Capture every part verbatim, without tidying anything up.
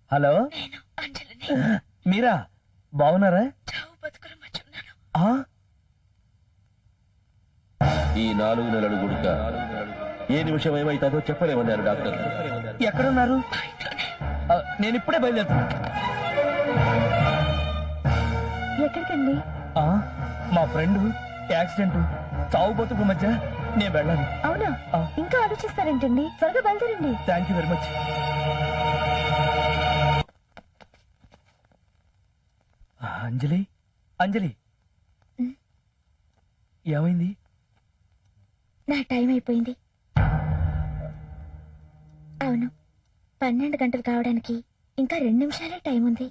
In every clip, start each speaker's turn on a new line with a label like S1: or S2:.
S1: Hello, మీరా? బాగున్నారా?
S2: ఈ నాలుగు నెలలు గుడుక ఏ నిమిషం ఏమైతుందో చెప్పలేమన్నారు డాక్టర్.
S1: ఎక్కడున్నారు? నేను ఇప్పుడే బయలుదేరుతున్నా.
S3: ఎక్కడికండి?
S1: మా ఫ్రెండ్ యాక్సిడెంట్, చావు బతుకు మధ్య నేను వెళ్ళాలి.
S3: అవునా? ఇంకా ఆలోచిస్తారేంటండి, త్వరగా బయలుదేరండి.
S1: Thank you very much. Anjali, Anjali, ఏమైంది?
S3: నా టైం అయిపోయింది. అవును, పన్నెండు గంటలు కావడానికి ఇంకా రెండు నిమిషాలే టైం ఉంది.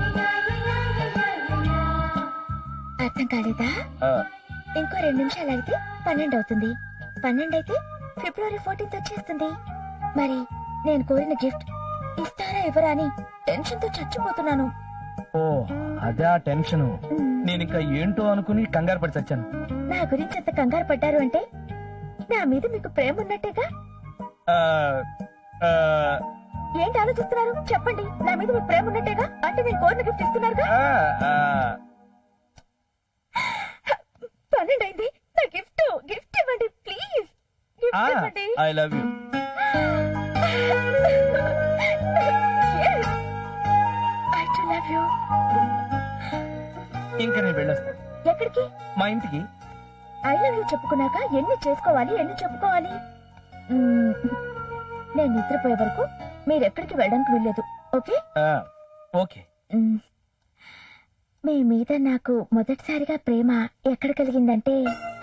S3: అర్థం కాలేదా? ఇంకో రెండు నిమిషాలు అయితే పన్నెండు అవుతుంది. పన్నెండు అయితే ఫిబ్రవరి ఫోర్టీన్త్ వచ్చేస్తుంది. మరి నేను కోరిన గిఫ్ట్ ఇస్తారా ఇవ్వరా అని టెన్షన్ తో చచ్చిపోతున్నాను.
S1: ఓ అదే ఆ టెన్షన్. నేను ఇంకా ఏంటో అనుకుని కంగారు పడి చచ్చాను.
S3: నా గురించి అంత కంగారు పడ్డారు అంటే నా మీద మీకు ప్రేమ ఉన్నట్టేగా? ఏంటి ఆలోచిస్తున్నారు? చెప్పండి, నా మీద మీకు ప్రేమ ఉన్నట్టేగా? అంటే నేను కోరిన గిఫ్ట్ ఇస్తున్నారుగా? పన్నెండు అయింది, నా గిఫ్ట్ గిఫ్ట్ ఇవ్వండి ప్లీజ్. గిఫ్ట్ ఇవ్వండి.
S1: I love you.
S3: I too love you.
S1: ఇంకా నేను వెళ్ళొస్తాను.
S3: ఎక్కడికి?
S1: మా ఇంటికి.
S3: ఐ లవ్ యూ చెప్పుకున్నాక ఎన్ని చేసుకోవాలి, ఎన్ని చెప్పుకోవాలి? నేను నిద్రపోయే వరకు మీరు ఎక్కడికి వెళ్ళడానికి వెళ్ళలేదు. Okay
S1: okay.
S3: మీ మీద నాకు మొదటిసారిగా ప్రేమ ఎక్కడ కలిగిందంటే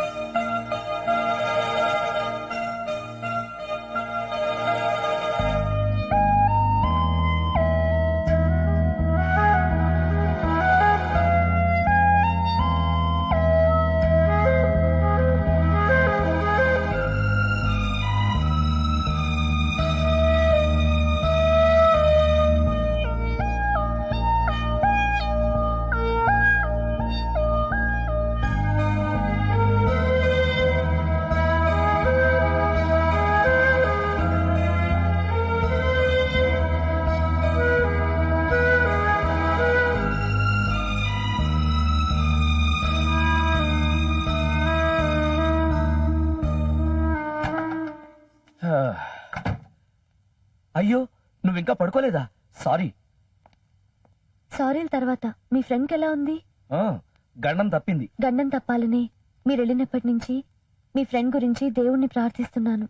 S1: అయ్యో, నువ్వు ఇంకా పడుకోలేదా? సారీ.
S3: సారీల తర్వాత మీ ఫ్రెండ్కి ఎలా ఉంది?
S1: గండం తప్పింది.
S3: గండం తప్పాలని మీరు వెళ్ళినప్పటి నుంచి మీ ఫ్రెండ్ గురించి దేవుణ్ణి ప్రార్థిస్తున్నాను.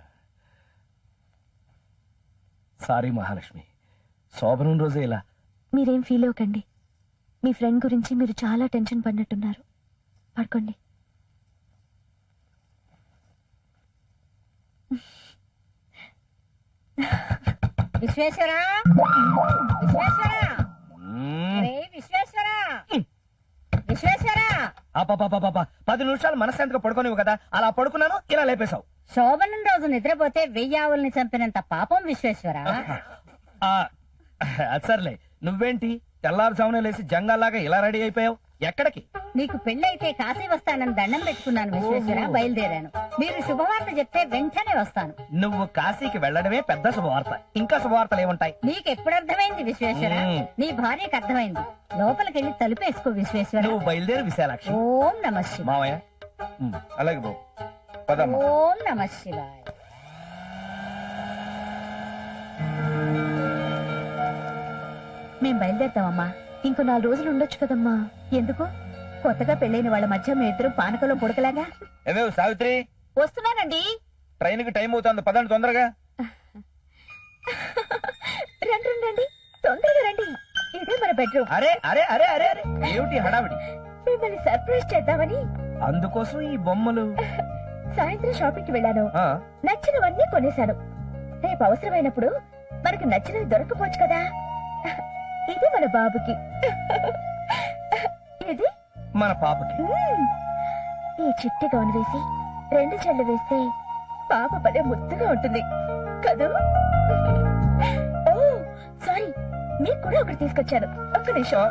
S1: సారీ మహాలక్ష్మి, శోభనం రోజే ఇలా.
S3: మీరేం ఫీల్ అవ్వకండి. మీ ఫ్రెండ్ గురించి మీరు చాలా టెన్షన్ పడినట్టున్నారు. పడుకోండి.
S4: విశ్వేశ్వరా, విశ్వేశ్వరా, విశ్వేశ్వరా, విశ్వేశ్వరా.
S1: పది నిమిషాలు మనశ్శాంతిగా పడుకోనివ్వు కదా, అలా పడుకున్నాను, ఇలా లేపేశావు.
S4: శోభనం రోజు నిద్రపోతే వెయ్యి ఆవుల్ని చంపినంత పాపం విశ్వేశ్వరా.
S1: సర్లే, నువ్వేంటి తెల్లారుజామునే లేసి జంగాల్లాగా ఇలా రెడీ అయిపోయావు? ఎక్కడికి?
S4: నీకు పెళ్ళైతే కాశీ వస్తానని దండం పెట్టుకున్నాను విశ్వేశ్వర. బయలుదేరాను. మీరు శుభవార్త చెప్తే వెంటనే వస్తాను.
S1: నువ్వు కాశీకి వెళ్ళడమే పెద్ద శుభవార్త. ఇంకా శుభవార్తలు ఏముంటాయి?
S4: నీకు ఎప్పుడు అర్థమైంది విశ్వేశ్వర? నీ భార్యకు అర్థమైంది. లోపలికెళ్ళి తలుపేసుకో విశ్వేశ్వర.
S1: నువ్వు బయలుదేరి విశాలాక్షి.
S4: ఓం నమ శివాయ.
S1: మావయ్య అలాగే బాబు.
S4: ఓం నమ శివాయ.
S3: మేం బయలుదేరుతామమ్మా. ఇంకో నాలుగు రోజులు ఉండొచ్చు కదమ్మా. ఎందుకు? కొత్తగా పెళ్ళైన వాళ్ళ మధ్య మీ ఇద్దరు పానకలో పుడకలాగా.
S1: ఏమేవ్ సావిత్రి?
S3: వస్తున్నానండి.
S1: ట్రైన్ కి టైం అవుతుంది, పదండి తొందరగా.
S3: రండి రండి, తొందరగా రండి. ఇదే మన బెడ్రూమ్.
S1: అరే అరే అరే అరే అరే ఏమిటి హడావిడి?
S3: మిమ్మల్ని సర్ప్రైజ్ చేద్దామని.
S1: అందుకోసం ఈ బొమ్మలు.
S3: సాయంత్రం షాపింగ్ కి వెళ్ళాను, నచ్చినవన్నీ కొనేశాను. రేపు అవసరమైనప్పుడు మనకు నచ్చినవి దొరకపోవచ్చు కదా. ఇది మన బాబుకి, ఇది
S1: మన పాపకి.
S3: ఈ చిట్టి గౌన్ వేసి రెండు చెళ్ళు వేస్తే పాప పదే ముద్దుగా ఉంటుంది కదూ. ఓ సారీ, మీకు కూడా ఒకటి తీసుకొచ్చాను. ఒక్క నిమిషం.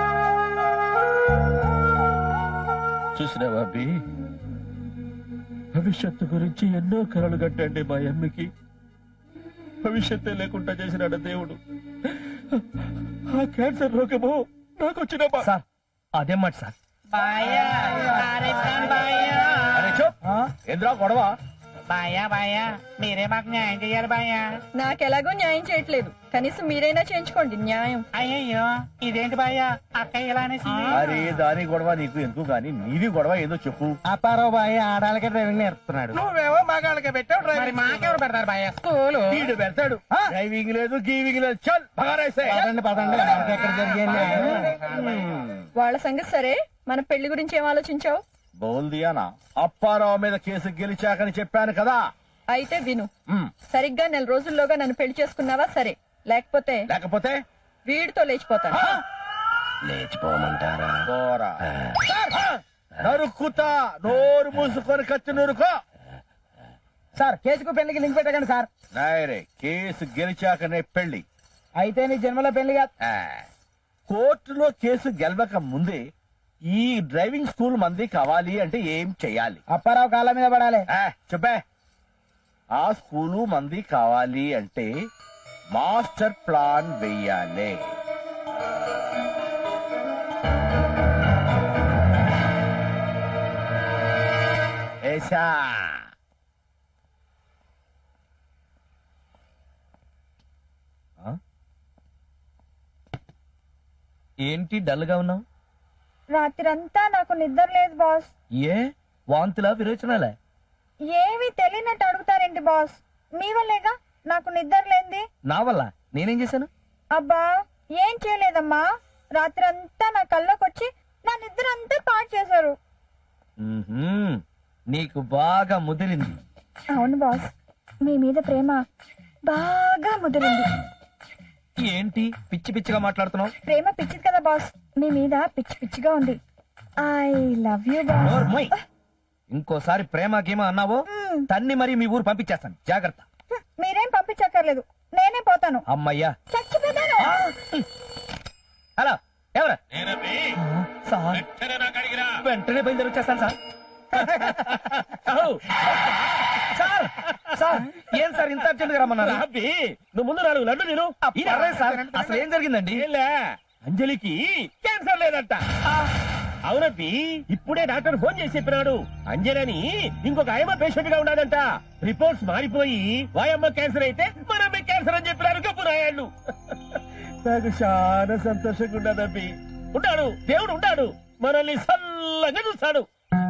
S2: చూసినావా అబ్బి, భవిష్యత్తు గురించి ఎన్నో కలలు కట్టండి మా అమ్మకి. భవిష్యత్తే లేకుండా చేసినాడు దేవుడు. ఆ క్యాన్సర్ రోగము నాకు వచ్చిన
S1: సార్ అదేం మాట సార్.
S2: ఏంద్రా గొడవ?
S5: బాయా బాయా మీరే మాకు న్యాయం చెయ్యాలి బాయా.
S6: నాకెలాగో న్యాయం చేయట్లేదు, కనీసం మీరైనా చేయించుకోండి న్యాయం.
S5: అయ్యయ్యో ఇదేంటి బాయా అక్క ఇలా అనేసి.
S2: అరే దాని గొడవ నీకు ఎందుకు గాని, నీది గొడవ ఏదో చెప్పు.
S1: అపారావు బాయ్ ఆడాలకే డ్రైవింగ్ నేర్పుతున్నాడు.
S5: నువ్వేమో మగాళ్ళకి పెట్టావు మరి మాకెవరు పెడతారు బాయా స్కూల్.
S2: వీడు పెడతాడు. డ్రైవింగ్ లేదు గీవింగ్ లేదు. చల్ బగారేసే.
S1: పదండి పదండి మనకి ఎక్కడ జరిగింది.
S6: వాళ్ళ సంగతి సరే, మన పెళ్లి గురించి ఏం ఆలోచించావు?
S2: బోల్దియానా అప్పారావు మీద కేసు గెలిచాకని చెప్పాను కదా.
S6: అయితే విను,
S2: మ్,
S6: సరిగ్గా నెల రోజుల్లోగా నన్ను పెళ్లి చేసుకున్నావా సరే, లేకపోతే
S2: లేకపోతే
S6: వీడితో లేచిపోతాను.
S2: లేచిపోమంటారా? పోరా. నరుక్కుతా. నోరు మూసుకొని కత్తి నూరుకో.
S1: సార్ కేసుకు పెళ్లికి లింక్ పెట్టకండి సార్.
S2: నాయరే కేసు గెలిచాకనే పెళ్లి.
S1: అయితే నీ జన్మలో పెళ్లి కాదు.
S2: ఆ, కోర్టులో కేసు గెలవక ముందే ఈ డ్రైవింగ్ స్కూల్ మంది కావాలి అంటే ఏం చెయ్యాలి?
S1: అప్పారావు కాళ్ళ మీద పడాలి.
S2: ఆ, చెప్పే. ఆ స్కూలు మంది కావాలి అంటే మాస్టర్ ప్లాన్ వెయ్యాలి. ఏసా
S1: ఏంటి డల్ గా ఉన్నావు?
S3: రాత్రంతా నాకు నిద్ర లేదు బాస్.
S1: ఏ వాంతులా విరోచనాలే?
S3: ఏమీ తెలియనట్టు అడుగుతారేంటి బాస్? మీ వల్లేగా నాకు నిద్ర లేంది.
S1: నా వల్ల నేనేం చేశాను?
S3: అబ్బా ఏం చేయలేదమ్మా, రాత్రంతా నా కళ్ళకొచ్చి నా నిద్ర అంతా పాడు చేశారు.
S1: మ్మ్హ్మ్. నీకు బాగా ముదిరింది.
S3: అవును బాస్, మీ మీద ప్రేమ బాగా ముదిరింది.
S1: ఏంటి పిచ్చి పిచ్చిగా మాట్లాడుతున్నావు?
S3: ప్రేమ పిచ్చిది కదా బాస్, మీ మీద పిచ్చి పిచ్చిగా ఉంది. I love you boss.
S1: నోరు మూయ్. ఇంకోసారి ప్రేమ గేమ అన్నావో తన్ని మరి మీ ఊరు పంపించేస్తాను, జాగ్రత్త.
S3: హ్మ్, మీరేం పంపించక్కర్లేదు, నేనే పోతాను.
S1: అమ్మయ్యా.
S3: చచ్చిపోతాను.
S1: హలో ఎవరు? సార్ వెంటనే బయలుదేరి వచ్చేస్తాను సార్. సార్ సార్ ఏం సార్ ఇంత అర్జెంట్ గా రమ్మన్నారు?
S2: నువ్వు ముందు నాలుగు లడ్డు నేను.
S1: పర్లేదు సార్, అసలు ఏం జరిగిందండి?
S2: ఏంలే, అంజలికి క్యాన్సర్ లేదంట. అవునబ్బి, ఇప్పుడే డాక్టర్ ఫోన్ చేసి చెప్పినాడు. అంజలని ఇంకొక ఆయమ్మ పేషెంట్ గా ఉన్నాడంట. రిపోర్ట్స్ మారిపోయి వాయమ్మ క్యాన్సర్ అయితే మనమ్మ క్యాన్సర్ అని చెప్పినారు గప్పు రాయాళ్ళు. నాకు చాలా సంతోషంగా ఉన్నదబ్బి. ఉంటాడు దేవుడు, ఉంటాడు మనల్ని సల్లంగా చూస్తాడు.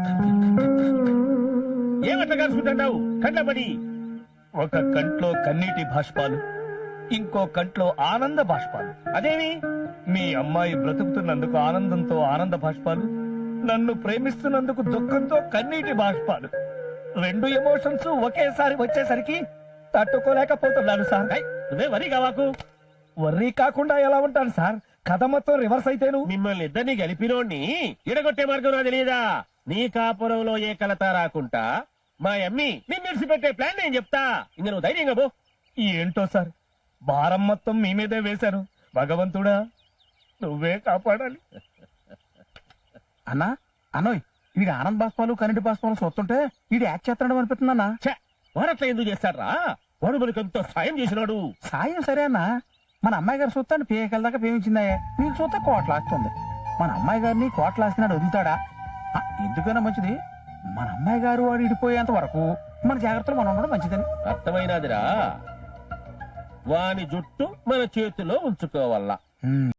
S2: ఏమట్లా కలుసుకుంటున్నావు కంటపడి?
S1: ఒక కంట్లో కన్నీటి బాష్పాలు, ఇంకో కంట్లో ఆనంద బాష్పాలు.
S2: అదేమి?
S1: మీ అమ్మాయి బ్రతుకుతున్నందుకు ఆనందంతో ఆనంద బాష్పాలు, నన్ను ప్రేమిస్తున్నందుకు దుఃఖంతో కన్నీటి బాష్పాలు. రెండు ఎమోషన్స్ ఒకేసారి వచ్చేసరికి తట్టుకోలేకపోతున్నాను సార్.
S2: ఏయ్, నువ్వే వరి కావాకు.
S1: వర్రీ కాకుండా ఎలా ఉంటాను సార్? కథ మొత్తం రివర్స్ అయితేను.
S2: మిమ్మల్ని ఇద్దరిని గెలిపినోడిని ఇడగొట్టే మార్గం నాకు తెలియదా? నీ కాపురంలో ఏ కలత రాకుండా మా అమ్మి నిన్ను విడిచిపెట్టే ప్లాన్ నేను చెప్తా. ఇంక నువ్వు ధైర్యంగా పో.
S1: ఏంటో సార్, భారం మొత్తం మీ మీదే వేశాను. భగవంతుడా నువ్వే కాపాడాలి.
S5: అన్నా అన్నోయ్ వీడి ఆనంద్ బాష్పాలు కరెంటు బాష్పాలు చూస్తుంటే వీడు యాక్ట్ చేస్తాడు అనిపిస్తుంది అన్న.
S2: ఛే, వాడట్లా ఎందుకు చేస్తాడ్రా? వాడు మనకు ఎంతో సాయం చేసినాడు.
S5: సాయం సరే అన్న, మన అమ్మాయి గారు చూస్తాను పేకల దాకా పేమించిందా, నీకు చూస్తే కోట్లాస్తుంది. మన అమ్మాయి గారిని కోట్లాస్తున్నాడు వదులుతాడా? ఆ, ఎందుకైనా మంచిది మన అమ్మాయి గారు వాడు ఇడిపోయేంత వరకు మన జాగ్రత్తలు మనం ఉండడం మంచిదని.
S2: అర్థమైనదిరా? వాని జుట్టు మన చేతిలో ఉంచుకోవాలా.